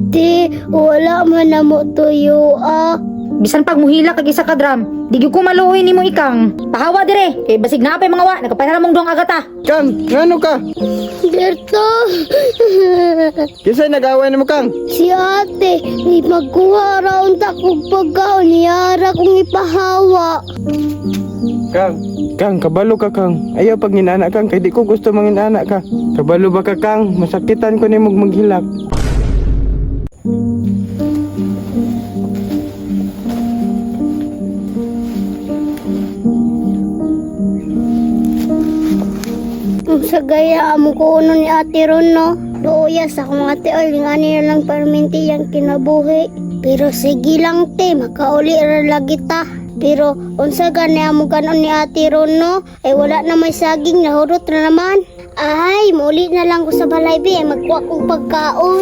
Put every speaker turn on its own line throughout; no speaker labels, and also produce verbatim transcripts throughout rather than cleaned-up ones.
Di, wala man na mo tuyo ah.
Bisan pag muhila kag isa ka drum, di gyud ko maluoy nimo ikang. Pahawa dire, kay basig na apay mga wa, nagpapahiram mong dong agata.
Kang, ngano ka?
Berto,
Kisay nag-away na mo, Kang?
si ate, ni magkuha raon ta kog pagkaon niyara kong ipahawa.
Kang, Kang, kabalo ka, Kang. Ayaw pag ginana, Kang, kay di ko gusto manginana ka. Kabalo ba ka, Kang? Masakitan ko ni mong maghilak.
Ang sagaya amo ko uno ni ate ron no. Luoya sa akong ate oy, ngani na lang perminti yang kinabuhi. Pero sige lang te, makauli ra lagi ta. Pero unsa gani amo kanon ni ate ron no, ay wala na may saging, nahurot na naman. Ay, muli na lang ko sa balay bi, ay magkuha kong pagkaon.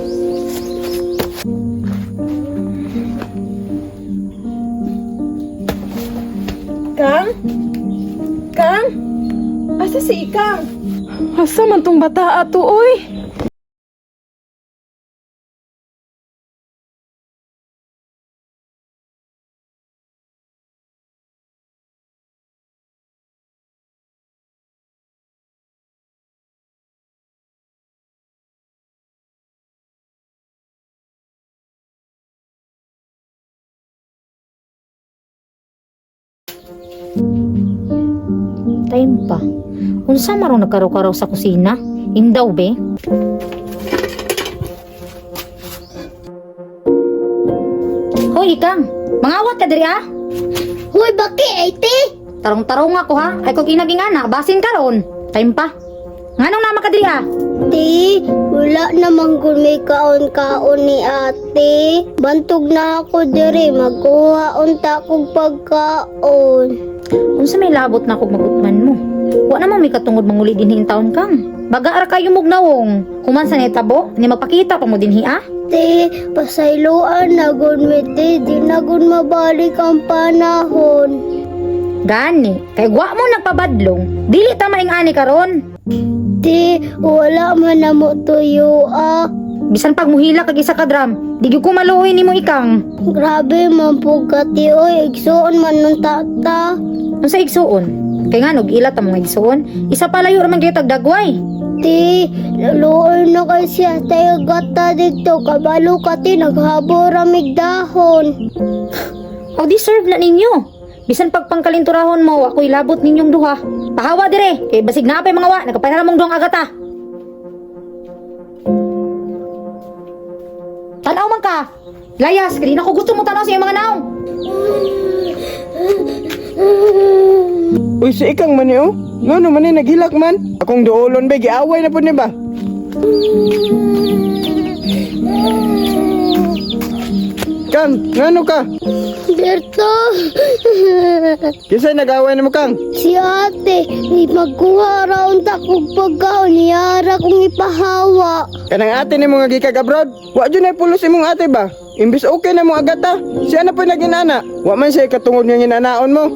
Kang? Kang? Asa si Ikang? Asa man tong bata ato, oy?
Time pa. Unsa marong nagkaraw-karaw sa kusina? Indaw be? Hoy ikang, mangawat ka diri ah.
Hoy, baki ay te.
Tarong-tarong ako ha. Ay kog inaging anak, basin karon. Time pa. Nganong nama ka diri ah?
Di, wala namang kung may kaon-kaon ni ate. Bantog na ako diri, magkuha unta kong pagkaon.
Unsa may labot na kog magutman mo? Wa naman may katungod manguli dinhi in taon kang. Baga ara kayo mugnawong. Human sa netabo, ni magpakita pa mo dinhi ah.
Te, pasayloan na gun mi te, di na gun mabalik ang panahon.
Gani, kay wa mo nagpabadlong. Dili ta maing ani karon.
Te, wala man na mo tuyo ah.
Bisan pag muhila kag isa ka drum, di gyud ko maluoy nimo ikang.
Grabe man po ka ti, oy, igsuon man nun tata.
Unsa igsuon? Kay nga nog ila ta mga igsuon, isa pa layo ra man gyud tag dagway.
Ti, laluoy na kay siya tayo gata dito, kabalo ka ti, naghabo ramig dahon.
O deserve na ninyo. Bisan pag pangkalinturahon mo, ako'y labot ninyong duha. Pahawa dire, kay basig na apay mga wa, nagpapahiram mong dong agata. Tanaw man ka. Layas, kaya na ko gusto mo tanaw sa iyong mga naong.
Uy, si Ikang man niyo? Ngano man ni naghilak man? Akong duolon ba, giaway na po niya ba? Kang, ngano ka?
Berto,
Kisay nag-away na mo, Kang?
si ate, ni magkuha raon ta kog pagkaon niyara kong ipahawa.
Kanang ate ni mo nga gikag abroad? Wa dyan ay pulos imong ate ba? Imbis okay na mo agata. Siya na po naginana. Wa man siya katungod nga ginanaon mo.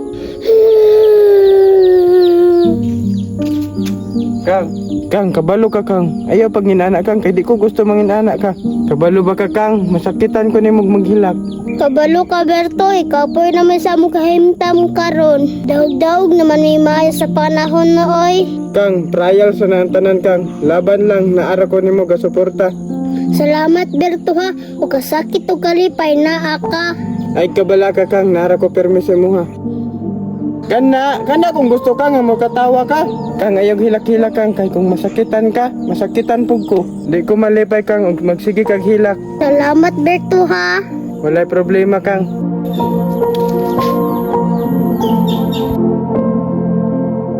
Kang, Kang, kabalo ka, Kang. Ayaw pag ginana, Kang, kay di ko gusto manginana ka. Kabalo ba ka, Kang? Masakitan ko ni mong maghilak.
Kabalo ka Berto, ikaw po naman sa mong kahimtam karon. Daog-daog naman may maya sa panahon na oy.
Kang, trial sa tanan, Kang. Laban lang, naara ko ni mo gasuporta.
Salamat Berto ha, o kasakit o kalipay na aka.
Ay, kabala ka, Kang. Naara ko permiso mo, ha. Kana, kana kung gusto ka nga mo katawa ka. Kang ayaw hilak-hilak, Kang. Kay kung masakitan ka, masakitan pug ko. Di ko malipay, Kang, ug magsige kag hilak.
Salamat Berto ha.
Walay problema, Kang.